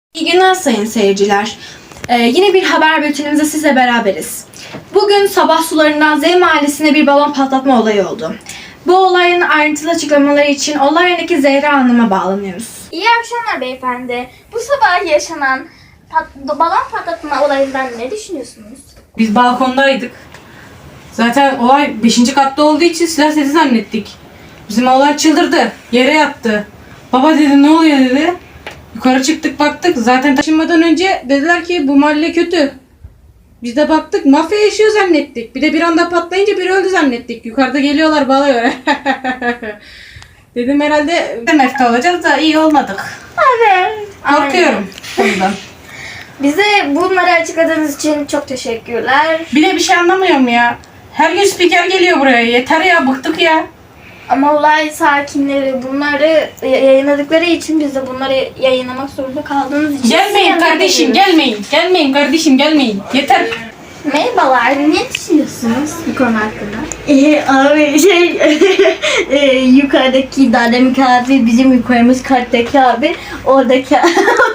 İyi günler sayın seyirciler. Yine bir haber bültenimizde sizle beraberiz. Bugün sabah sularından Z mahallesinde bir balon patlatma olayı oldu. Bu olayın ayrıntılı açıklamaları için olay yerindeki Zehra Hanım'a bağlanıyoruz. İyi akşamlar beyefendi. Bu sabah yaşanan balon patlatma olayından ne düşünüyorsunuz? Biz balkondaydık. Zaten olay 5. katta olduğu için silah sesi zannettik. Bizim oğlan çıldırdı. Yere yattı. Baba dedi, ne oluyor dedi. Yukarı çıktık baktık. Zaten taşınmadan önce dediler ki bu mahalle kötü. Biz de baktık mafya yaşıyor zannettik. Bir de bir anda patlayınca biri öldü zannettik. Yukarıda geliyorlar bağlıyor. Dedim herhalde mefta olacağız da iyi olmadık. Evet. Korkuyorum bundan. Bize bunları açıkladığınız için çok teşekkürler. Bir de bir şey anlamıyorum ya. Her gün spiker geliyor buraya. Yeter ya, bıktık ya. Ama olay sakinleri bunları yayınladıkları için biz de bunları yayınlamak zorunda kaldığımız için... Gelmeyin kardeşim, gelmeyin. Gelmeyin kardeşim, gelmeyin. Yeter. Merhabalar, ne düşünüyorsunuz bu konu hakkında? Abi yukarıdaki Dademik abi bizim yukarımız kattaki abi oradaki abi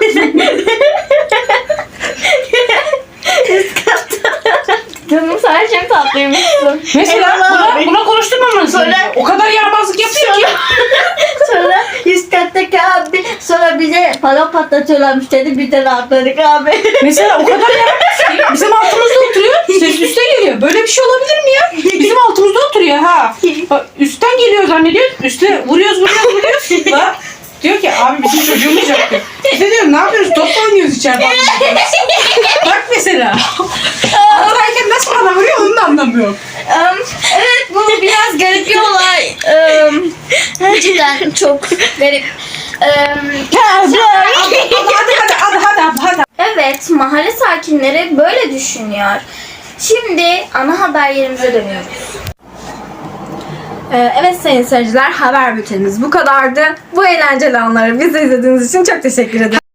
Canım sen çok tatlıymışsın. Mesela buna konuşturmamanız Sonra- gerekiyor. O kadar yaramazlık yapıyor ki. sonra üst kattaki abi sonra bize balon patlatıyorlarmış dedi biz de rahatladık abi. Mesela o kadar yaramaz ki. Bizim altımızda oturuyor. Ses üstte geliyor. Böyle bir şey olabilir mi ya? Bizim altımızda oturuyor ha. Bak, üstten geliyor zannediyor. Üste vuruyoruz. Bak, diyor ki abi bizim çocuğumuz yok diyor. Biz de diyorum ne yapıyoruz? Top mu oynuyoruz içeride? Bak mesela. Altındayken nasıl bana vuruyor onu da anlamıyorum. Evet, bu biraz garip bir olay. Cidden çok garip. Hadi. Evet, mahalle sakinleri böyle düşünüyor. Şimdi ana haber yerimize dönüyoruz. Evet sayın seyirciler, haber bültenimiz bu kadardı. Bu eğlenceli anları bizi izlediğiniz için çok teşekkür ederim.